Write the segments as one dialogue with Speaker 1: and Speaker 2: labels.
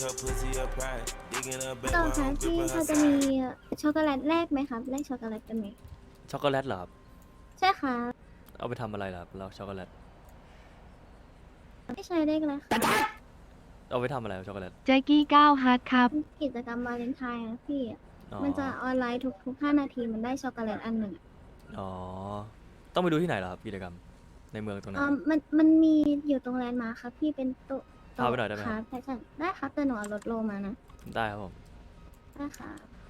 Speaker 1: ต่อค่ะพี่พอจะมีช็อกโกแลตแรกไหมครับแลกช็อกโกแลตกันไหม
Speaker 2: ช็อกโกแลตเหรอครับ
Speaker 1: ใช่ค่ะ
Speaker 2: เอาไปทำอะไรล่ะครับแล้วช็อกโกแลต
Speaker 1: ไม่ใช่เลขอะไรค่ะ
Speaker 2: เอาไปทำอะไรครับช็อกโกแลต
Speaker 3: แจ็กกี้ก้าวฮาร์ดครับ
Speaker 1: กิจกรรมวาเลนไทน์นะพี่
Speaker 2: อ๋อ
Speaker 1: มันจะออนไลน์ทุก5 นาทีมันได้ช็อกโกแลตอันหนึ่ง
Speaker 2: อ๋อ ต้องไปดูที่ไหนเหรอครับกิจกรรม ในเมืองตรงไหน
Speaker 1: มันมีอยู่ตรงแลนด์มาร์คครับพี่เป็นโต๊ะ
Speaker 2: พาไปหน่อยได้ไหม
Speaker 1: ครับแฟชั่นได้ครับแต่หนูเอารถโลมานะ
Speaker 2: ได้ครับผม
Speaker 1: ได้ค่ะ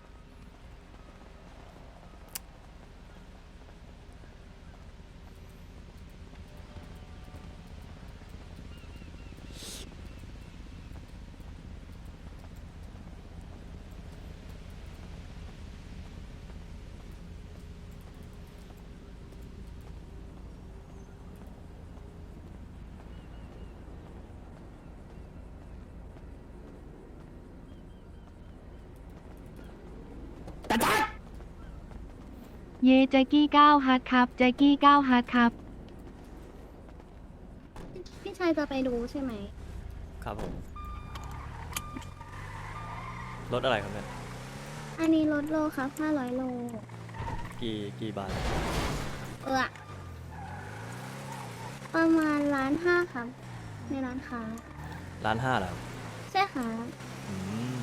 Speaker 3: เย่แจ็กกี้ก้าวฮาร์ดครับแจ็กกี้ก้าวฮาร์ดครับ
Speaker 1: พี่ชายจะไปดูใช่ไหม
Speaker 2: ครับผม รถอะไรครับเนี่ย
Speaker 1: อันนี้รถโลครับ500 โล
Speaker 2: กี่บาท
Speaker 1: เออประมาณ1.5 ล้านครับ ในร้านค้า
Speaker 2: 1.5 ล้านเหรอครับ
Speaker 1: ใช่ค่ะ
Speaker 2: อืม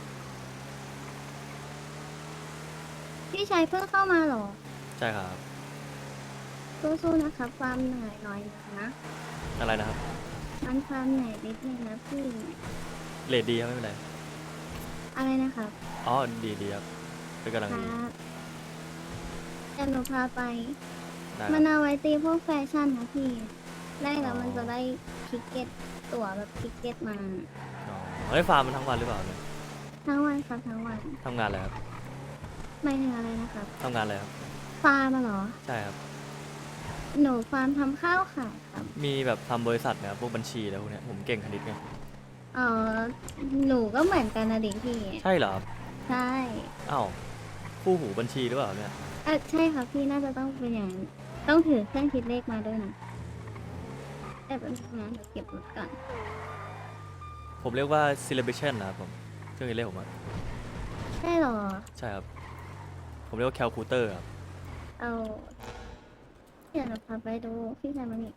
Speaker 1: พี่ชายเพิ่งเข้ามาเหรอ
Speaker 2: ใช่ครับ
Speaker 1: สู้ๆนะครับความเหนื่อยหน่อยนะ
Speaker 2: อะไรนะครับ
Speaker 1: มันความเหนื่อยนิดนึงนะพี่
Speaker 2: เรทดีครับไม่เป็นไร
Speaker 1: อะไรนะครับ
Speaker 2: อ๋อ ดีครับ เป็นกำลัง
Speaker 1: ค
Speaker 2: ดี
Speaker 1: รับแต่หนูพาไป
Speaker 2: ได้
Speaker 1: มัน
Speaker 2: ครับ
Speaker 1: เอาไว้ตีพวกแฟชั่นนะพี่แรกแล้ว
Speaker 2: อ๋อ
Speaker 1: มันจะได้ทิกเก็ตตั๋วแบบทิกเก็ตมา
Speaker 2: อ๋อได้ฟาร์มมันทั้งวันหรือเปล่าเนี่ย
Speaker 1: ทั้งวันครับทั้งวัน
Speaker 2: ทำงานอะไรครับ
Speaker 1: ไม่ถึงอะไรนะครับ
Speaker 2: ทำงานอะไรครับ
Speaker 1: ฟาร์มอะเหรอ
Speaker 2: ใช่ครับ
Speaker 1: หนูฟาร์มทำข้าวขายครับ
Speaker 2: มีแบบทำบริษัทนะครับพวกบัญชีแล้วพวกเนี้ยผมเก่งคณิตไง
Speaker 1: เออหนูก็เหมือนกันนะดิพี่
Speaker 2: ใช่เหรอครับ
Speaker 1: ใช่
Speaker 2: อ้าวคู่หูบัญชีหรือเปล่าเนี่ย
Speaker 1: ใช่ครับพี่น่าจะต้องเป็นอย่างนั้นต้องถือเครื่องคิดเลขมาด้วยนะแต่เป็นงานเดี๋ยวเก็บรถก่อน
Speaker 2: ผมเรียกว่า celebration นะครับผมเครื่องคิดเลขผมอะ
Speaker 1: ใช่เหรอ
Speaker 2: ใช่ครับ ผมเรียกว่า calculator ครับ
Speaker 1: เอาเดี๋ยวเราพาไปดูพี่ชายมันนี่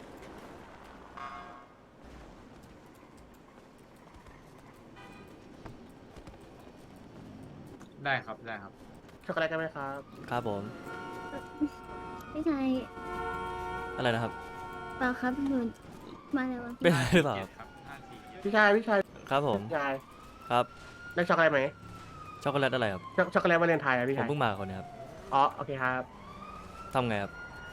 Speaker 4: ได้ครับ ได้ครับ
Speaker 5: ช็อกโกแลตกันไหมครับ
Speaker 2: ครับผม
Speaker 1: พี่ชาย
Speaker 2: อะไรนะครับ
Speaker 1: เปล่าครับหนูมาแล้ว
Speaker 2: เป็นอะไรหรือเปล่าครับ
Speaker 5: พี่ชาย
Speaker 2: ครับผม
Speaker 5: พี่ชาย
Speaker 2: ครับ
Speaker 5: ได้ช็อกโกแลตไหม
Speaker 2: ช็อกโกแลตอะไรครับ
Speaker 5: ช็อกโกแลตวาเลนไทน์อะพี่
Speaker 2: ผม
Speaker 5: ชาย
Speaker 2: เพิ่งมาคนนี้ครับ
Speaker 5: อ๋อ โอเคครับ
Speaker 2: ทำไงครับ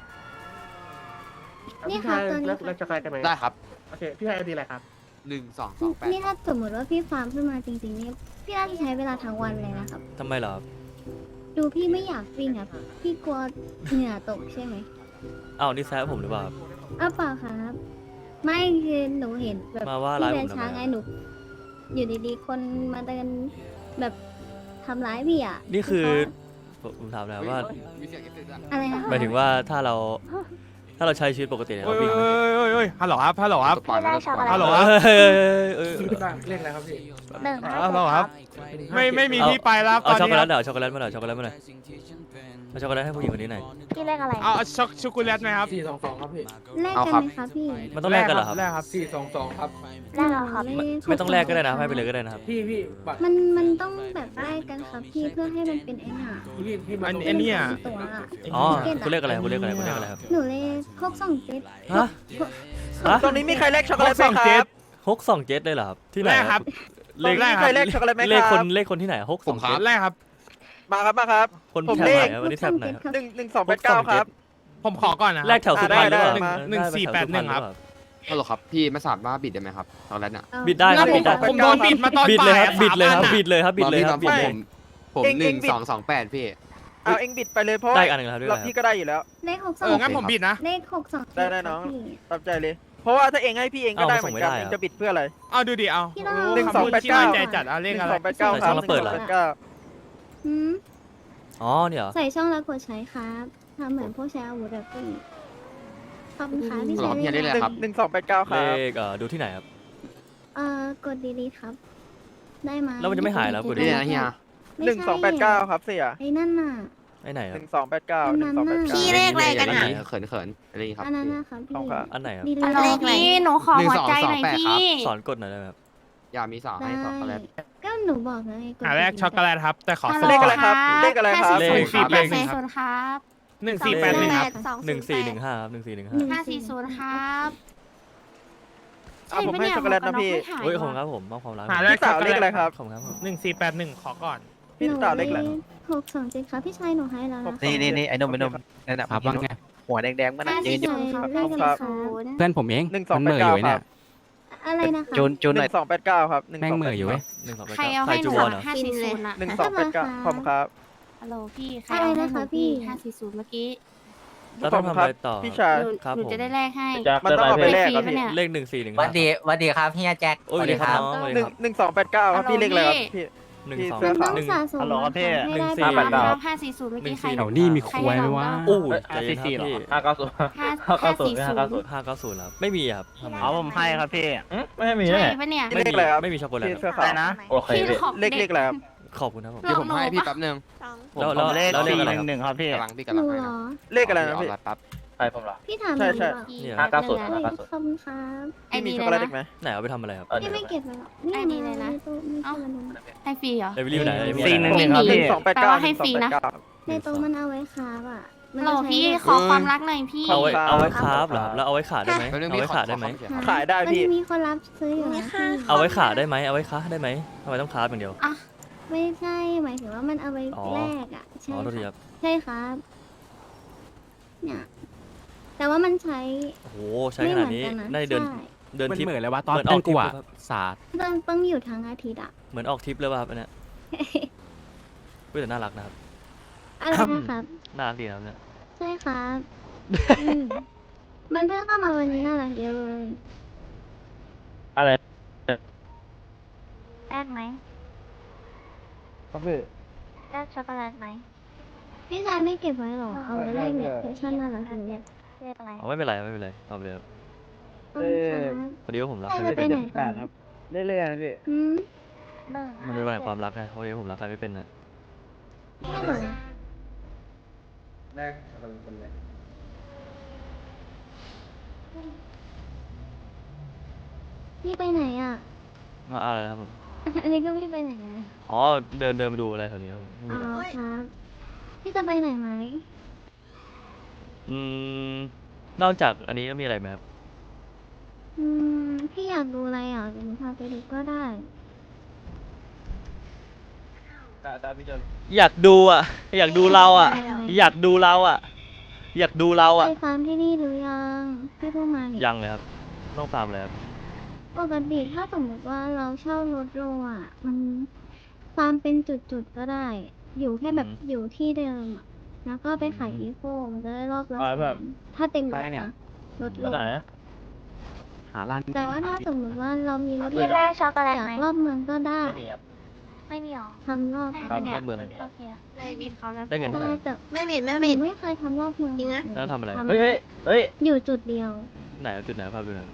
Speaker 1: นี่
Speaker 5: พี่
Speaker 1: ครั
Speaker 5: ชา
Speaker 1: บ
Speaker 5: ย
Speaker 1: ตัวนี้
Speaker 5: แล้วช็อกโกแลตกันไหม
Speaker 4: ได้ครับ
Speaker 5: โอเค พี่ชายเอาดีอะไรครับ
Speaker 4: 1228
Speaker 1: นี่ถ้าสมมติว่าพี่ฟาร์มขึ้นมาจริงๆนี่พี่น่าจะใช้เวลาทั้งวันเลยนะครับ
Speaker 2: ทำไมเหรอครับ
Speaker 1: ดูพี่ไม่อยากวิ่งอ่ะพี่กลัวเหงื่อตกใช่ไหม
Speaker 2: อ้าวนี่แซะผมหรือเปล่าครับ
Speaker 1: อ้าวเปล่าครับ ไม่คือหนูเห็นแบบ
Speaker 2: มาว่า
Speaker 1: พี่
Speaker 2: ร้าย
Speaker 1: เดิ
Speaker 2: ผ
Speaker 1: น
Speaker 2: มทำ
Speaker 1: ช้า
Speaker 2: ไม
Speaker 1: ไง
Speaker 2: ครับ
Speaker 1: หนู อยู่ดีๆคนมาเดินแบบทำร้ายพี่อ่ะ
Speaker 2: นี่คือ
Speaker 1: เขา
Speaker 2: ผมถามแล้วว่า
Speaker 4: มีเสียงเอฟเฟกต์ด้วย
Speaker 1: อะไรนะ
Speaker 2: หมายถึงว่าถ้าเราใช้ชีวิตปกติเนี่ย
Speaker 6: โอ้
Speaker 2: เรา
Speaker 6: ย
Speaker 2: วิ่งไหม
Speaker 6: โอ้ยฮัลโหลครับ ฮัลโหลครับ
Speaker 4: สปอยล์นะสปอยล์
Speaker 6: ฮัลโหล
Speaker 2: เฮ้ยเอ้ย
Speaker 5: เรียกอะไรครับพี่
Speaker 1: หนึ่ง
Speaker 6: ฮัลโหลครับ ไม่มีที่ไปแล้ว
Speaker 2: เอา
Speaker 6: ต
Speaker 2: ช็
Speaker 6: อ
Speaker 2: อน กโก
Speaker 6: นี้
Speaker 2: แลตหน่อยเอาช็อกโกแลตมาหน่อยช็อกโกแลตมาหน่อยเอาช็อกโกแลตให้ผู้หญิงคนนี้หน่อย
Speaker 1: พี่เลขอะไร
Speaker 6: เอาช็อกโกแลตไหมครับ
Speaker 5: 422 ครับพี่
Speaker 1: แลกกันไหมคะพี่
Speaker 2: มันต้องแลกกันเหรอครับ
Speaker 6: แรกครับ
Speaker 5: 422 ครับ
Speaker 1: แลกเหรอครับ
Speaker 2: ไม่ต้องแลกก็ได้นะให้ไปเลยก็ได้นะครับ
Speaker 5: พี่บัตร
Speaker 1: มันต้องแบบแลกกันครับพี่เพื่อให้มันเป็นไอ้หนา
Speaker 5: พี่มา
Speaker 6: อันเนี้ย
Speaker 1: ตัวอะ
Speaker 2: อ๋อคุณเรียกอะไรคุณเรียกอะไรคุณเรียกอะไรครับ
Speaker 1: หนูเลข627
Speaker 2: ฮะ ฮะ
Speaker 7: ตรงนี้มีใครแลกช็อกโกแลตไหมค
Speaker 6: เจ็
Speaker 7: รั
Speaker 6: ด
Speaker 7: บ
Speaker 2: 627เลยเหรอครับที่ไหน
Speaker 6: แรกครับ
Speaker 2: เลข
Speaker 6: แรก
Speaker 7: มีใครแลกช็อกโกแลตไหม
Speaker 2: เลข
Speaker 7: ค
Speaker 2: ค
Speaker 7: รั
Speaker 2: น
Speaker 7: บ
Speaker 2: เลขคนที่ไหน627
Speaker 6: แรกครับ
Speaker 7: มาครับ มาครับ
Speaker 2: คน
Speaker 7: ผม
Speaker 2: แถบ
Speaker 7: เล
Speaker 2: ไห
Speaker 7: ข
Speaker 2: นวันนี้แถบไหนครับ
Speaker 7: 11289 ครับ
Speaker 6: ผมขอก่อนนะ
Speaker 2: แลกแถวสุพรรณหรือเปล่า
Speaker 7: ได้
Speaker 6: หนึ่งสี่แปดหนึ่งครับ
Speaker 4: ฮัลโหลครับ พี่ไม่สามารถบิดได้ไหมครับช็อกโกแลตเนี่ย
Speaker 2: บิดได้ครับบิดได้
Speaker 6: ผมโดนบิดมาตอน
Speaker 2: บิดเลยครับ
Speaker 6: บ่า
Speaker 2: บิดเลยครับ
Speaker 6: 3
Speaker 2: บิดเลยครับบิดเลยครับ
Speaker 4: ต
Speaker 2: บิ
Speaker 4: อ
Speaker 2: ด
Speaker 4: น
Speaker 2: เลย
Speaker 4: นี้ผม
Speaker 7: เอ็งบิด
Speaker 4: 1228 พี่
Speaker 7: เอาเอ็งบิดไปเลยเพราะ
Speaker 2: ได้อีกอันหนึ่งครับด้วย
Speaker 7: เรา
Speaker 2: ครับ
Speaker 7: พี่ก็ได้อยู่แล้ว
Speaker 1: เลข
Speaker 6: เอองั้นผมบิดนะ
Speaker 1: เลข627
Speaker 7: ได้น้อง
Speaker 1: พี่
Speaker 7: ตามใจเลย เพราะว่าถ้าเอ็งให้พี่เอ็งก็
Speaker 2: เอ้า
Speaker 7: ได้เหมือนกัน
Speaker 2: ส่งไม่ได้
Speaker 7: เอ็ง
Speaker 2: อะ
Speaker 7: จะบิดเพื่ออะไร
Speaker 6: เอาดูดิเอา
Speaker 1: พี่เรา
Speaker 6: โอ้คำพูดที่
Speaker 7: 1289
Speaker 6: มั่นใจจัดเอาเลขอะไร
Speaker 7: 1289 ครับ
Speaker 2: ใส่ช่องแล้วเปิดเหรอ
Speaker 7: 1289
Speaker 1: หืม
Speaker 2: อ๋อเนี่ยเหรอ
Speaker 1: ใส่ช่องแล้วกดใช้ครับทำเหมือนพวกใช้อาวุธแบบพี่ขอบคุณค่ะพี่
Speaker 4: หรอ
Speaker 1: ชาย
Speaker 4: พี่ได้เลย ครับ
Speaker 7: 1289 ค
Speaker 2: เล
Speaker 7: รับ
Speaker 2: ขดูที่ไหนครับ
Speaker 1: กดดีๆครับได้มา
Speaker 2: แล้วมันจะไม่หายแล้วกูดิ
Speaker 4: นี่นะเฮีย
Speaker 1: ไม่
Speaker 7: หนึ่ง
Speaker 1: ใช่
Speaker 7: สองแปดเก้าครับเสีย
Speaker 1: ไอ้นั่นน่ะ
Speaker 2: ไอ้ไหนค
Speaker 7: ห
Speaker 2: รับ
Speaker 7: นึ่งสองแปดเก้า
Speaker 1: อั
Speaker 7: ห
Speaker 1: น
Speaker 7: นึ่
Speaker 1: นั้
Speaker 7: ง
Speaker 1: น
Speaker 7: สองแปด
Speaker 1: น่ะ
Speaker 7: เก้า
Speaker 8: พี่เลขอะไรกันอะ
Speaker 4: เขินอะไรครับ
Speaker 1: อันนั้นนะครับ
Speaker 7: ขอบคุณครับ
Speaker 2: อันไหนครับ
Speaker 1: ดี
Speaker 8: ฮัลโหล
Speaker 1: เลย
Speaker 8: พี่หนูขอหัวใจหน่อย
Speaker 4: 1228
Speaker 8: พี่
Speaker 4: ครับ
Speaker 2: สอนกดหน่อยได้ไหมครับ
Speaker 4: อย่ามีสาวให้ช็อกโกแลต
Speaker 1: ก็หนูบอกเลย
Speaker 6: แรกช็อกโกแลตครับ แต่ขอ
Speaker 8: ฮัล
Speaker 6: ส่
Speaker 8: โหล
Speaker 6: ง
Speaker 7: เลขอะไรครับเลขอะไรครับ
Speaker 6: เลข
Speaker 8: 540
Speaker 6: เลข
Speaker 8: 540ครับ
Speaker 6: 1481ครับ
Speaker 2: 1415ครับ1415
Speaker 8: 540ครับ
Speaker 7: เอาผมให้ช็อกโกแลตนะพี่
Speaker 2: โอ้ยขอบคุณครับผมมอบความรัก
Speaker 6: หาแรก
Speaker 7: พี่สาวเลขอะไรครับ
Speaker 2: ขอบคุณครับผม
Speaker 6: 1481ขอก่อน
Speaker 7: พี่สาวเลขอะไร
Speaker 1: 627ครับพี่ชายหนูให้แล้วนะ
Speaker 9: นี่ไอ้นมนั่นน่ะ
Speaker 10: ครับว่าไง
Speaker 9: หัวแดงๆมันน่ะยืนอยู่
Speaker 1: เลขอะไรคะ
Speaker 10: เพื่อนผมเอง
Speaker 7: หนึ่งสอง
Speaker 10: มัน
Speaker 7: แป
Speaker 10: เห
Speaker 7: ด
Speaker 10: ม่ออ
Speaker 7: เก้า
Speaker 10: ยู่ไอ้
Speaker 7: ค
Speaker 10: เนี่
Speaker 7: รั
Speaker 10: ย
Speaker 7: บ
Speaker 1: อะไรนะคะ
Speaker 9: จูน
Speaker 7: ห
Speaker 9: หน่อ
Speaker 7: นึ่
Speaker 9: ย
Speaker 7: งสองแปดเก้าครับ
Speaker 10: แม่งเหม่ออยู่เว้ย
Speaker 8: ใครเอาให้หนู
Speaker 2: จูวอนเหรอ
Speaker 8: 540น่ะ
Speaker 7: หนึ่งสองแปดเก้าผมครับ
Speaker 8: ฮัลโหลพี่ใครเอาให้หนูพี่540เมื่อกี้
Speaker 2: แล้วต้องทำอะไรต่อ
Speaker 7: พี่ชาย
Speaker 8: หนู
Speaker 2: ครับ
Speaker 8: หนู
Speaker 2: ผม
Speaker 8: จะได้แลกให้
Speaker 7: มันต้องเอาไปแลกครับ
Speaker 8: ฟรี
Speaker 7: พี่
Speaker 8: ปะเนี่ย
Speaker 2: เลข1415
Speaker 9: วันดีครับเฮียแจ็ค
Speaker 2: โอ้ยสวัสดีครับน้องสวัส
Speaker 7: ห
Speaker 2: ดี
Speaker 7: นึ่ง
Speaker 2: ครับ
Speaker 7: หนึ่งสองแปดเก้าครับพี่เลขอะไรครับพี่
Speaker 2: หนึ่ง
Speaker 7: พี่
Speaker 2: สอง
Speaker 7: เสื้อ
Speaker 1: มัน
Speaker 7: ขาว
Speaker 1: ต้องสะสม
Speaker 2: ฮัลโหลครับพี่
Speaker 1: ให้ได้
Speaker 2: หนึ่งสี่
Speaker 1: บ้าง
Speaker 8: รับ540เมื่อกี้ใคร
Speaker 10: แถวนี้มีควายไหมวะ
Speaker 2: โอ้ยใจเย็นครับพี่
Speaker 8: 540
Speaker 2: 590ครับไม่มีครับทำไม
Speaker 9: เอาผมให้ครับพี่
Speaker 10: ไม่ให้มี
Speaker 8: ใช่ปะเนี่ย
Speaker 7: เลขอะไรครับ
Speaker 2: ไม่มีช็อกโกแลต
Speaker 7: พี่
Speaker 2: ค
Speaker 7: เสื้
Speaker 2: รับ
Speaker 7: อขาวนะ
Speaker 9: โอเค
Speaker 8: พี่ของ
Speaker 7: เลข
Speaker 8: เด็ก
Speaker 7: อะไรครับ
Speaker 2: ขอบคุณครับผม
Speaker 8: หนู
Speaker 4: เดี๋ยวผมให้พี่แป๊บนึง
Speaker 2: แล้วเลขอะไรครับ
Speaker 9: 1ครับพี่
Speaker 4: กำลังพี่
Speaker 1: ห
Speaker 4: กำลั
Speaker 1: นู
Speaker 4: งให้
Speaker 1: เหร
Speaker 4: นะ
Speaker 1: อ
Speaker 7: เลขอะไรนะพี่
Speaker 4: เอาแป๊บ
Speaker 9: ใช่ผมเหรอ
Speaker 1: พี่ถาม
Speaker 7: ใช่
Speaker 1: หนู
Speaker 7: ใช่
Speaker 1: เหรอ
Speaker 2: เนี่ย
Speaker 9: 590
Speaker 1: เฮ้ยขอบคุณครับ
Speaker 8: ไอ้
Speaker 7: พี่มี
Speaker 8: นี่
Speaker 7: ช็อก
Speaker 8: เล
Speaker 7: โกแลต
Speaker 8: ย
Speaker 7: อีกไหม
Speaker 8: นะ
Speaker 2: ไหนเอาไปทำอะไรครับ
Speaker 1: พี่ไม่เก็บไว้หรอก
Speaker 8: ไอ้นี่เลยนะ
Speaker 1: ไม่ใช่วันนู้น
Speaker 8: ให้ฟรีเหรอ
Speaker 2: เลเวลลี่ไปไหน
Speaker 9: 411
Speaker 2: เลเวลลี่
Speaker 9: ครับ
Speaker 7: หนึ่
Speaker 9: พี่
Speaker 7: งสองแปดเก้า
Speaker 8: แปลว่าให้ฟรีนะ
Speaker 1: ในโต๊ะมันเอาไว้ค้าอ่ะมัน
Speaker 8: ฮัลโหล
Speaker 1: จะใช้
Speaker 8: พี่
Speaker 1: แบบ
Speaker 8: ขอความรักหน่อยพี่
Speaker 2: เอาไว้คราฟเหรอครับแล้วเอาไว้ขาได้ไหม
Speaker 4: แป๊บนึง
Speaker 2: เอา
Speaker 4: พี่
Speaker 2: ไว้ขาได้ไหม
Speaker 7: ขายได้พี่
Speaker 1: มันมีคนรับซื้ออยู่นะพี่
Speaker 2: เอาไว้ขาได้ไหมเอาไว้ค้าได้ไหมทำไมต้องคราฟอย่างเดียว
Speaker 1: ไม่ใช่หมายถึงว่ามันเอาไว้
Speaker 2: อ๋อ
Speaker 1: แลกอ่ะใช่
Speaker 2: อ๋อโทษที
Speaker 1: ค
Speaker 2: ค
Speaker 1: รั
Speaker 2: รั
Speaker 1: บบ ใช่ครับเนี่ยแต่ว่ามันใช้
Speaker 2: โอ้โหใช้
Speaker 1: ไม่
Speaker 2: ข
Speaker 1: เห
Speaker 2: นา
Speaker 1: มื
Speaker 2: ด
Speaker 1: อน
Speaker 2: นี้
Speaker 1: กันนะ
Speaker 2: ได้เดิน
Speaker 1: ใช่
Speaker 2: เดิน
Speaker 10: มัน
Speaker 2: ทริป
Speaker 10: เหม่อเลยวะตอน
Speaker 2: เหมือนอ
Speaker 10: เต้
Speaker 2: อน กทริ
Speaker 10: กู
Speaker 2: ป
Speaker 10: อะ
Speaker 2: ครับ
Speaker 10: ศาสตร์
Speaker 1: ต้องอยู่ทั้งอาทิตย์อ่ะ
Speaker 2: เหมือนออกทริปเลยป่ะครับอันเนี้ยเฮ้ยแต่น่ารักนะครับ
Speaker 1: อะไรนะครับ
Speaker 2: น่ารักดีนะครับเนี่ย
Speaker 1: ใช่ครับอืมมันเพิ่งเข้ามาวันนี้น่ารักเดียวเลย
Speaker 9: อะไร
Speaker 1: แลกไหม
Speaker 7: ครับพี่
Speaker 1: แลกช็อกโกแลตไหมพี่ชายไม่เก็บไว้หรอเอาไว้แลกเนี่ยแฟชั่นน่ารักดีเนี่ยเรียกอะไร
Speaker 2: อ๋อไม่เป็นไรไม่เป็นไรเอาไปเลยครับ
Speaker 1: ขอบคุณครับ
Speaker 2: พอดีว่าผมรัก
Speaker 1: ใคร
Speaker 2: ใคร
Speaker 1: จะ
Speaker 2: ไม่
Speaker 1: ไป
Speaker 2: เป็น
Speaker 1: ไหน
Speaker 2: เนี่ย
Speaker 1: กัน
Speaker 7: เรื่อยๆนะพี่
Speaker 1: อืม
Speaker 2: มันเป็นวันแห่งความรักไงพอดีว่าผมรักใครไม่เป็นนะ
Speaker 1: ไม่เหรอ
Speaker 5: แรกเอาเป็นไร
Speaker 1: พี่ไปไหนอ่ะ
Speaker 2: อะไรนะครับผม
Speaker 1: อันนี้ก็พี่ไปไหนอ่ะ
Speaker 2: อ๋อเดินไปดูอะไรแถวนี้ครับผมไม่
Speaker 1: อ๋
Speaker 2: มี
Speaker 1: อ
Speaker 2: อะไร
Speaker 1: ครับพี่จะไปไหนไหม
Speaker 2: อืมนอกจากอันนี้ก็มีอะไรไหมครับ
Speaker 1: พี่อยากดูอะไรอ่ะเดี๋ยวหนูพาไปดูก็ได้
Speaker 2: อยากดูอ่ะ อยากดูเราอ่ะ อยากดูเราอ่ะ อยากดูเราอ่ะ
Speaker 1: ไปฟาร์มที่นี่หรือยังพี่พูดมานี่
Speaker 2: ยังเลยครับต้องตามเลยครับ
Speaker 1: ปกติถ้าสมมติว่าเราเช่ารถโรอ่ะ มันฟาร์มเป็นจุดๆก็ได้ อยู่แค่แบบอยู่ที่เดิมอะแล้วก็ไปขายอีโฟมันจะได้รอบละ
Speaker 9: อ๋อแบบ
Speaker 1: ถ้าเต็มร
Speaker 10: ไป
Speaker 1: ถ
Speaker 10: เนี่ย
Speaker 1: นะรถโล
Speaker 9: ไหน
Speaker 10: หาร้าน
Speaker 1: แต่ว่าถ้าสมมติว่าเรามีรถ
Speaker 8: พี่แรกช็อกโกแลต
Speaker 1: จาก
Speaker 8: ไหม
Speaker 1: รอบเมืองก็ได้
Speaker 8: ไม่มีหรอ
Speaker 1: ทำรอบ
Speaker 2: ครับรอบเมือง
Speaker 8: โอเคไม่มีเขาแล้ว
Speaker 2: ได้เงินเท่าไห
Speaker 1: ได้
Speaker 2: ร่
Speaker 1: แต่
Speaker 8: ไม่มีไม่
Speaker 1: ห
Speaker 8: มี
Speaker 1: นูไม่เคยทำรอบเมือง
Speaker 8: จริงนะ
Speaker 2: แล้วทำอะไร
Speaker 1: ทำ
Speaker 9: เฮ้ย
Speaker 1: อยู่จุดเดียว
Speaker 2: ไหนจุดไหนภาพดูหน่อย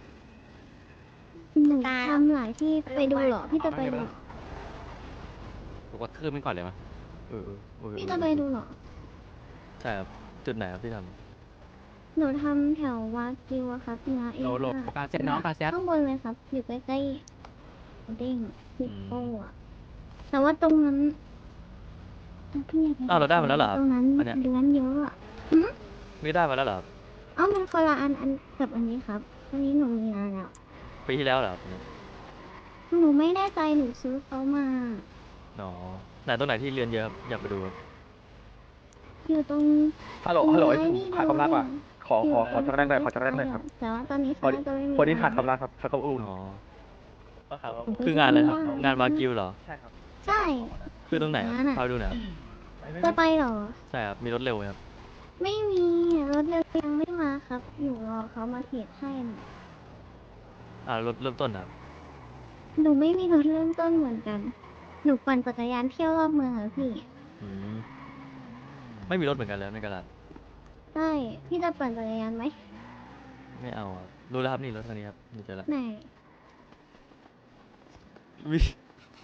Speaker 1: หนูทำหลายที่ไปดูเหรอพี่จะไปดูเหรอ
Speaker 10: กูกระทืบมันก่อนเลยมั้ย
Speaker 2: เออเออ
Speaker 1: พี่จะไปดูเหรอ
Speaker 2: ใช่ครับจุดไหนครับที่ท
Speaker 1: หนูทำแถววัดจิวอะครับนะเอง
Speaker 10: โล
Speaker 1: ค่ะ
Speaker 10: กาเซ็ตน้องกาเซ็ต
Speaker 1: ข้างบนเลยครับ อยู่ใกล้ๆเด้งฮิปโป้อะแต่ว่าตรงนั้นพี่อยกป
Speaker 2: อ้าวเราได้มาแล้วเหรอครับ
Speaker 1: ตรงนั้น
Speaker 2: อันเนี้ย
Speaker 1: เดือนเยอะอะ
Speaker 2: ไม่ได้มาแล้วเหรอครับ
Speaker 1: เอ้ามันคนละอันกับอันนี้ครับ อันนี้หนูมีนานแล้ว
Speaker 2: ปีที่แล้วเหรอครับ
Speaker 1: หนูไม่แน่ใจหนูซื้อเขามา
Speaker 2: อ๋อไหนตรงไหนที่เรียนเยอะครับอยากไปดูครับ
Speaker 1: อยู่ตรง
Speaker 9: ฮัลโหล
Speaker 1: ตรง
Speaker 9: ฮัลโหล
Speaker 1: ไม้นี่
Speaker 9: ขาดความรักว่ะ ขอ
Speaker 1: อยู่
Speaker 9: ช็อกโกแลตหน่อยขอช็อกโกแลตหน่อยครับ
Speaker 1: แต่ว่าตอนนี้
Speaker 9: พอ
Speaker 1: เขาจะไม่มี
Speaker 9: คนที่ขาดความรักครับเขาอุ่น
Speaker 2: อ๋อคืองานอะไรครับงานวากิวเหรอ
Speaker 9: ใช่ครับ
Speaker 1: ใช่
Speaker 2: คือตรงไหนครับ
Speaker 1: งานอะ
Speaker 2: พาไปดูหน่อยครับ
Speaker 1: จะไปเหรอ
Speaker 2: ใช่ครับมีรถเร็วไหมครับ
Speaker 1: ไม่มีรถเร็วยังไม่มาครับหนูรอเขามาเทรดให้น่ะ
Speaker 2: รถเริ่มต้นครับ
Speaker 1: หนูไม่มีรถเริ่มต้นเหมือนกัน หนูปั่นจักรยานเที่ยวรอบเมืองเหรอพี่
Speaker 2: อืมไม่มีรถเหมือนกันแล้วในกระดาษ
Speaker 1: ใช่พี่จะปั่นจักรยานไหม
Speaker 2: ไม่เอาครับรู้แล้วครับนี่รถคันนี้ครับนี่เจอแล้ว
Speaker 1: ไหน
Speaker 2: วิ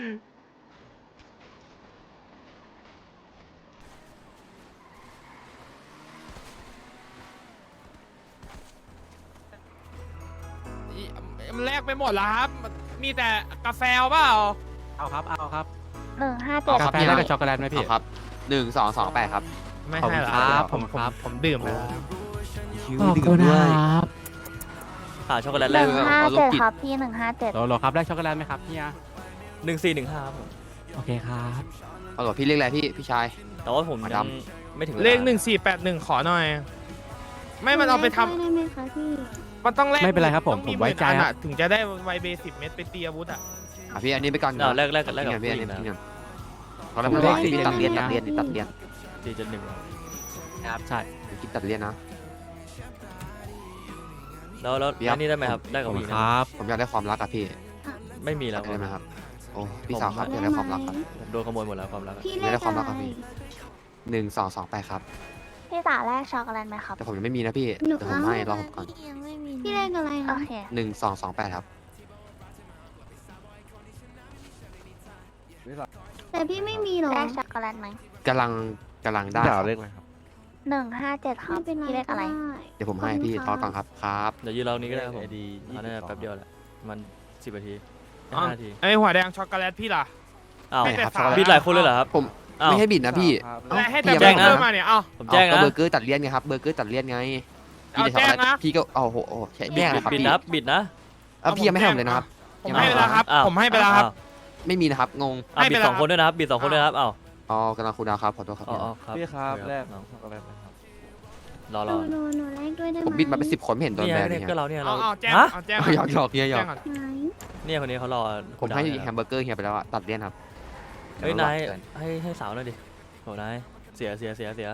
Speaker 6: มันแลกไปหมดแล้วครับ มีแต่กาแฟเปล่า
Speaker 10: เอาครับ เอาครับ
Speaker 8: 157
Speaker 10: กาแฟแล้วกับช็อกโกแลตไหมพี่
Speaker 4: เอาครับ1228ครับ
Speaker 6: ไม่
Speaker 10: ขอบ
Speaker 6: ให้
Speaker 10: คุณ
Speaker 6: หรอ
Speaker 10: ครับ
Speaker 6: ผม
Speaker 10: ครับ
Speaker 6: ผมดื่มแล้ว
Speaker 10: ขอบคุณครับ
Speaker 2: หาช็อกโกแลตแรก
Speaker 8: 157ครับพี่157
Speaker 10: โหลครับได้ช็อกโกแลตไหมครับเฮีย
Speaker 2: 1415ครับผม
Speaker 10: โอเคครับ
Speaker 4: เอาเหรอพี่เรียกอะไรพี่ชาย
Speaker 2: แต่ว่าผม
Speaker 4: มา
Speaker 2: ยั
Speaker 4: ด
Speaker 2: งไม่ถึงวา
Speaker 6: เลข1481ขอหน่อย ไม่มันเอาไปทำ
Speaker 1: ได้ไหมคะพี่
Speaker 6: มันต้องแลก
Speaker 10: ไม่เป็นไรครับผม
Speaker 6: ต้อง
Speaker 10: ผมไว้ใจ
Speaker 6: 10,000
Speaker 10: ครับ
Speaker 6: อะถึงจะได้ไวเบ10 เม็ดไปตีอาวุธอ่ะ
Speaker 4: พี่อันนี้ไปก่อน
Speaker 2: เอาแรกกับ
Speaker 4: พี่
Speaker 2: ผู้
Speaker 4: พี่
Speaker 2: ห
Speaker 4: อัน
Speaker 2: ญิ
Speaker 4: นี้
Speaker 2: งนะ
Speaker 4: พี่ก่อนตอนแรกไม่ไหวพี่ตัดเลียน
Speaker 2: 471
Speaker 10: ครับ ใช่
Speaker 4: คิดตัดเลียนนะ
Speaker 2: แล้ว
Speaker 4: พี่ครับ
Speaker 2: อันนี้ได้ไหมครับได้
Speaker 10: ข
Speaker 2: กั
Speaker 10: อ
Speaker 2: บบ
Speaker 10: คุ
Speaker 2: ผู้ห
Speaker 10: ณ
Speaker 2: ญิง
Speaker 10: ค
Speaker 2: นะ
Speaker 10: รับ
Speaker 4: ผมอยากได้ความรักอะพี่
Speaker 2: ไม่มีแล้ว
Speaker 4: ได้ไหมครับโอ้พี่สาวครับอยากได้ความรักครับ
Speaker 2: ผมโดนขโมยหมดแล้วความรักอะ
Speaker 1: พี่
Speaker 4: ไม่
Speaker 1: เล
Speaker 4: ได้
Speaker 1: ข
Speaker 4: ความ
Speaker 1: อะ
Speaker 4: รัก
Speaker 1: ไร
Speaker 4: ครับพี่1228ครับ
Speaker 8: พี่สาแลกช็อกโกแลตไหมครับ
Speaker 4: แต่ผมยังไม่มีนะพี่
Speaker 1: หนู
Speaker 4: เดี๋ยวผมให้รอผมก่อน
Speaker 8: ยังไม่มี
Speaker 1: พี่เลขอะไร
Speaker 8: โอ
Speaker 1: คะ
Speaker 8: เค
Speaker 4: 1228ครับ
Speaker 1: แต่พี่ไม่มีหรอ
Speaker 8: แลกช็อกโกแลตไหม
Speaker 4: กำลังได้ครับ
Speaker 8: 157ครับ
Speaker 1: ไม่เป็นไร
Speaker 8: พี่เลขอะไร
Speaker 1: ก็ด้
Speaker 4: เดี๋ยวผมให้พี่รอก่อนครับครับ
Speaker 2: เดี๋ยวยืนเรานี้ก็ได้ครับผมอันนี้แป๊บเดียวแหละมัน10 นาที
Speaker 6: อ๋อ
Speaker 2: 5 นาที
Speaker 6: ไอหัวแดงช็อกโกแลตพี่ล่ะ
Speaker 2: อ้าว
Speaker 6: ไม่แต่
Speaker 4: ครับ
Speaker 6: สาว
Speaker 2: บิดหลายคนเลยเหรอครับ
Speaker 4: ผม
Speaker 2: อ้าว
Speaker 4: ไม่ให้บิดนะพี่
Speaker 6: และให้
Speaker 4: พี่
Speaker 6: แต่
Speaker 4: ยัง
Speaker 6: เบ
Speaker 4: ไม่
Speaker 6: อร์เกอร์มาเนี่ย เอา
Speaker 2: ผมแจ้ง
Speaker 4: ก็
Speaker 2: นะ
Speaker 4: เบอร์เกอร์ตัดเลี่ยนไงครับเบอร์เกอร์ตัดเลี่ยนไง
Speaker 6: เอาแจ้งนะ
Speaker 4: พี่ก็โอ้โหแจ้งเลยครับ
Speaker 2: บิด
Speaker 4: พี่
Speaker 2: นะบิดนะ
Speaker 4: พี่ยังไม่ให้ผมเลยนะครับ
Speaker 6: ผมให้ไปแล้วครับ
Speaker 2: อ้าว
Speaker 6: ผมให้ไปแล้วครับ
Speaker 4: ไม่มีนะครับงง
Speaker 2: อ้าว
Speaker 6: ให้
Speaker 2: บิ
Speaker 6: ไป
Speaker 2: ด
Speaker 6: แล้ว
Speaker 2: 2 คนด้วยนะครับบิด2 คนด้วยนะครับอ้าว
Speaker 4: อ๋อกำลังคูลดาวน์ครับขอโทษครับ
Speaker 2: อ๋อครับ
Speaker 7: พี่ครับ
Speaker 2: โอเ
Speaker 7: แรก
Speaker 2: น้อง
Speaker 7: ช็อกโกแลตนะครับ
Speaker 2: รอ
Speaker 1: หนูแลกด้วยได้ไหม
Speaker 4: ผมบิดมาเป็น10 คนไม่เห็นโดน
Speaker 2: เนี่ย
Speaker 4: แบนเล
Speaker 2: เนี่ย
Speaker 4: ย
Speaker 2: ก็เราเนี่ยเรา
Speaker 6: เอาแจ้ง
Speaker 2: ฮะ
Speaker 6: เอาแจ้ง
Speaker 4: หยอกหยอกเฮียหยอก
Speaker 6: แจ้งก่อน
Speaker 1: ไหน
Speaker 2: เนี่ยคนนี้เขารอ
Speaker 4: ผมให้
Speaker 2: คุณดาว
Speaker 4: แฮมเบอร์เกอร์เฮียไปแล้วอะตัดเลี่ยนครับ
Speaker 2: เฮ้ยนายให้สาวหน่อยดิโหนายเสีย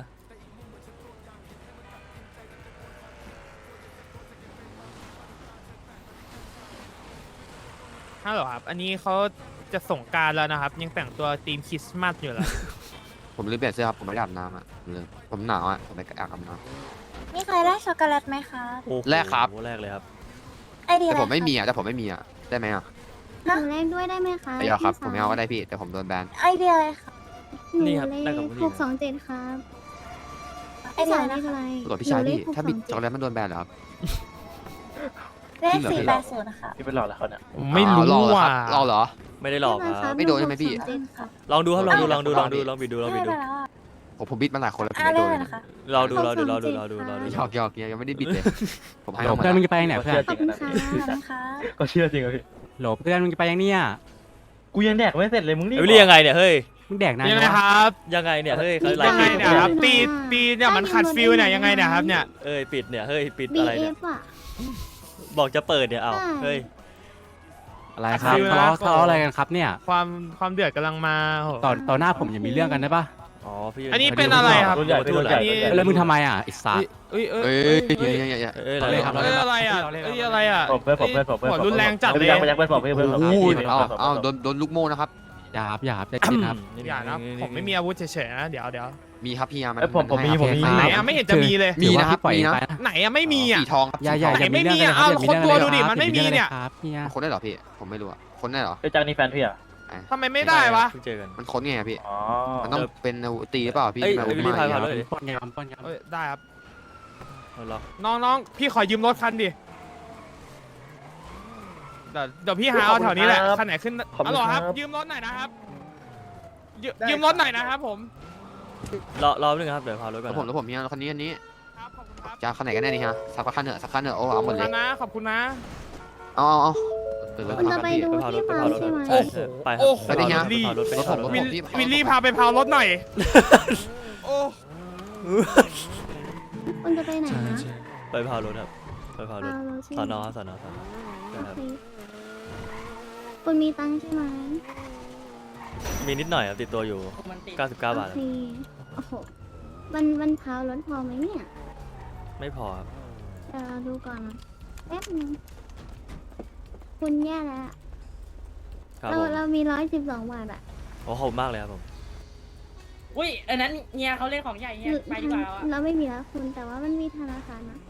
Speaker 6: ฮัลโหลครับ อันนี้เขาจะส่งกรารแล้วนะครับ ยังแต่งตัวธีมคริสต์มาสอยู่เลย
Speaker 4: ผมลืมเปลี่ยนเสื้อครับผมไม่ได้อาบน้ำอะผมหนาวอะผมไปอาบน้
Speaker 8: มีใครแลกช็อกโกแลตไหมคะ
Speaker 2: โอ้โห
Speaker 4: แรกครับ
Speaker 2: แรกเลยครับ
Speaker 8: ไอเดี
Speaker 4: ำ
Speaker 8: ย
Speaker 4: แต่ผมไม่มีอะได้ไหมอะ
Speaker 1: หนูแลกด้วยได้ไหมคะ
Speaker 4: ไม่เอาครับผ
Speaker 1: พี่
Speaker 4: มไม่เอาก็ได้พี่แต่ผมโดนแบน
Speaker 8: ไอเดียอะไรคะ
Speaker 1: หนู
Speaker 2: นี่ครับ
Speaker 1: เล
Speaker 2: ได้
Speaker 1: ข
Speaker 2: กับผู้หญิง
Speaker 1: 627ครับ
Speaker 8: ไอเดีย
Speaker 1: เล
Speaker 8: นะ
Speaker 1: ข
Speaker 8: คะ
Speaker 1: อะไร
Speaker 4: ตำรวจพี่ชาย
Speaker 1: หนู
Speaker 4: พี่
Speaker 1: เลข
Speaker 4: ถ้าบิดช็อกโก
Speaker 1: 627
Speaker 4: แลตมันโดนแบนเหรอครับ
Speaker 8: เลข
Speaker 4: จริงเหรอพี่
Speaker 8: 480ค่ะ
Speaker 7: พี่เป็นหลอดแล้วเขาเนี่ย
Speaker 6: ผมไม่รู้
Speaker 4: อ๋อ
Speaker 6: ว่ะ
Speaker 4: รอเหรอ
Speaker 2: ไม่ได้หลอกครับ
Speaker 4: ไม่โดนใช่ไหมพี่
Speaker 1: 627ครับ
Speaker 2: ลองดูครับลองดู
Speaker 4: เอา
Speaker 2: ลองดู
Speaker 4: เอา
Speaker 2: ลองดูลองบิดดูลองบิดดู
Speaker 8: ให้ไปแล้วอะ
Speaker 4: ผมบิดมาหลายคนแล้วผม
Speaker 8: อ่ะ
Speaker 4: ไม่
Speaker 8: เล
Speaker 4: โด
Speaker 8: ข
Speaker 4: น
Speaker 8: อะไร
Speaker 4: เลย
Speaker 8: นะคะ
Speaker 2: รอดูรอดูรอดูรอดูรอดู
Speaker 4: หยอกหยอกเฮียยังไม่ได้บิดเลยผมให้
Speaker 10: โหล
Speaker 4: เขาหมด
Speaker 10: เพื่อน
Speaker 4: แล้ว
Speaker 10: มึงจะไปยังไหนเพื่อน
Speaker 1: ขอบคุณค่ะ
Speaker 8: ขอบคุณค่ะ
Speaker 7: ก็เชื่อจริงเหรอพี่
Speaker 10: โหลเพื่อนมึงจะไปยังเนี่ย
Speaker 7: กูยังแดกไม่เสร็จเลยมึงรีบ
Speaker 2: เอ้ยเรียกยังไงเนี่ยเฮ้ย
Speaker 10: มึงแดกนาน
Speaker 6: ยัง
Speaker 10: จั
Speaker 6: ไง
Speaker 10: งวะ
Speaker 6: ครับ
Speaker 2: ยังไงเนี่ยเฮ้ยเขาไล
Speaker 6: ยัง
Speaker 2: ฟ์
Speaker 6: ไง
Speaker 2: ปิด
Speaker 6: เนี่ยครับตีเนี่ยมันขัดฟิลเนี่ยยังไงเนี่ยครับเนี่ย
Speaker 2: เอ้ยปิดเนี่ยเฮ้ยปิดอะไรเนี่ย
Speaker 1: BF อ่ะ
Speaker 2: บอกจะเปิดเนี่ยเอ้า
Speaker 1: ใช่
Speaker 2: เฮ้ย
Speaker 10: อะไรครับทะเลาะอะไรกันครับเนี่ย
Speaker 6: ความเดือดกำลังมาโห
Speaker 10: ต่อหน้าผมอย่ามีเรื่องกันได้ปะ
Speaker 2: อ๋อพี่
Speaker 6: อันนี้เป็นอะไรครับ
Speaker 7: รุ่นใหญ่รุ่นใหญ่
Speaker 10: แล้วมึงทำไมอ่ะไอ้สัส
Speaker 6: เอ้ย
Speaker 4: เอ้ยเฮีย
Speaker 2: เอ้ย
Speaker 10: เราเล่นครับ
Speaker 6: เอ้ยอะไรอ่ะเอ้ยอะไรอ่ะ
Speaker 7: ผมเพื่อนผมเพื่อนผมเพื่อน
Speaker 6: หัวรุนแรงจัดเลย
Speaker 7: ยังเพื่อนผมเพื่อนผม
Speaker 4: โอ้ยเอาโดนลูกโม่นะครับ
Speaker 10: อย่าครับใจเย็นครับ
Speaker 6: อย่านะผมไม่มีอาวุธเฉยๆนะเดี๋ยว
Speaker 4: มีครับพี่ยามัน
Speaker 7: ผมมีผมมี
Speaker 6: ไหนอ่ะไม่เห็นจะมีเลย
Speaker 4: มีนะครับ
Speaker 10: ปล่อย
Speaker 4: มีนะ
Speaker 10: ไป
Speaker 6: ไหนอ่ะไม่มีอ่ะ
Speaker 4: สีทองครับ
Speaker 10: อย่า
Speaker 6: ไหน
Speaker 10: มี
Speaker 6: ไม่
Speaker 10: เรื่อง
Speaker 6: มี
Speaker 10: กัน
Speaker 6: อ่ะ
Speaker 10: เลยครับ
Speaker 6: เอาคนตัวดูดิมันไม่มีเนี่ย
Speaker 10: ครับเฮีย
Speaker 4: คนได้เหรอพี่ผมไม่รู้อะคนได้เหรอ
Speaker 7: ไอ้จังนี่แฟนพี่อ่ะ
Speaker 6: ทำไมไม่ได้วะ
Speaker 2: เพิ่งเจอกัน
Speaker 4: มันค้นไงอะพี่
Speaker 7: อ๋อ
Speaker 4: มันต้องเป็นอาวุธตีหรือเปล่าพี่
Speaker 2: เอ้ย
Speaker 4: อาวุธ
Speaker 2: รีบพา
Speaker 4: ใหม่
Speaker 2: พา
Speaker 4: อะ
Speaker 2: เลย
Speaker 10: ป้อนยาม
Speaker 6: เอ้ยได้ครับ
Speaker 2: เอาล็อก
Speaker 6: น้องพี่ขอยืมรถคันดิเดี๋ยวพี่หาเอาแถวนี้แหละคันไหนขึ้นอ๋อครับยืมรถหน่อยนะครับยืมรถหน่อยนะครับผม
Speaker 2: รอแป๊บนึงครับเดี๋ยวพารถก่อน
Speaker 4: แล้วผมมีคันนี้อันนี้
Speaker 6: ครับขอบคุณครับ
Speaker 4: จะคันไหนกันแน่นี่ฮะสักคันเถอะสักคันเถอะโอ้เอาหมดเลย
Speaker 6: ขอบคุณนะ
Speaker 4: เอาเปิดรถ
Speaker 1: คุณ
Speaker 4: ค
Speaker 1: จะ
Speaker 4: รับ
Speaker 1: ไป
Speaker 4: พี่
Speaker 1: ดู
Speaker 2: ไปพาร
Speaker 1: ที่
Speaker 2: ถไป
Speaker 1: ฟาร์
Speaker 2: พาม รถ
Speaker 1: ใช่ไหม
Speaker 2: ใช่ใช่ไปครับ
Speaker 6: โอ้โห
Speaker 2: ไปพารถไปพารถ
Speaker 6: วิลลี่พาไปพาวรถหน่อยโอ้
Speaker 1: คุณจะไปไหนนะ
Speaker 2: ไปพารถครับไปพารถ
Speaker 1: ฟาร์มใช่ไห
Speaker 2: ส
Speaker 1: ม
Speaker 2: อนอครับสอนอครับใช่
Speaker 1: โอ
Speaker 2: ครับ
Speaker 1: เคคุณมีตังค์ใช่ไหม
Speaker 2: มีนิดหน่อยครับติดตัวอยู่99 บาท
Speaker 1: โอเคโอ้โหมันพาวรถพอไหมเนี่ย
Speaker 2: ไม่พอครับ
Speaker 1: เดี๋ยวเราดูก่อนนะแป๊บนึงคุณแย่แล้วอะ
Speaker 2: ครับ
Speaker 1: เรา
Speaker 2: ผม
Speaker 1: เรามี112 บาทอะ
Speaker 2: โอ้ขอบคุณมากเลยครับผม
Speaker 11: อุ้ยอันนั้นเฮียเขาเล่นของใหญ่เฮียไปดีกว่าแล้วอะ
Speaker 1: เราไม่มีแล้วคุณแต่ว่ามันมีธนาคารนะ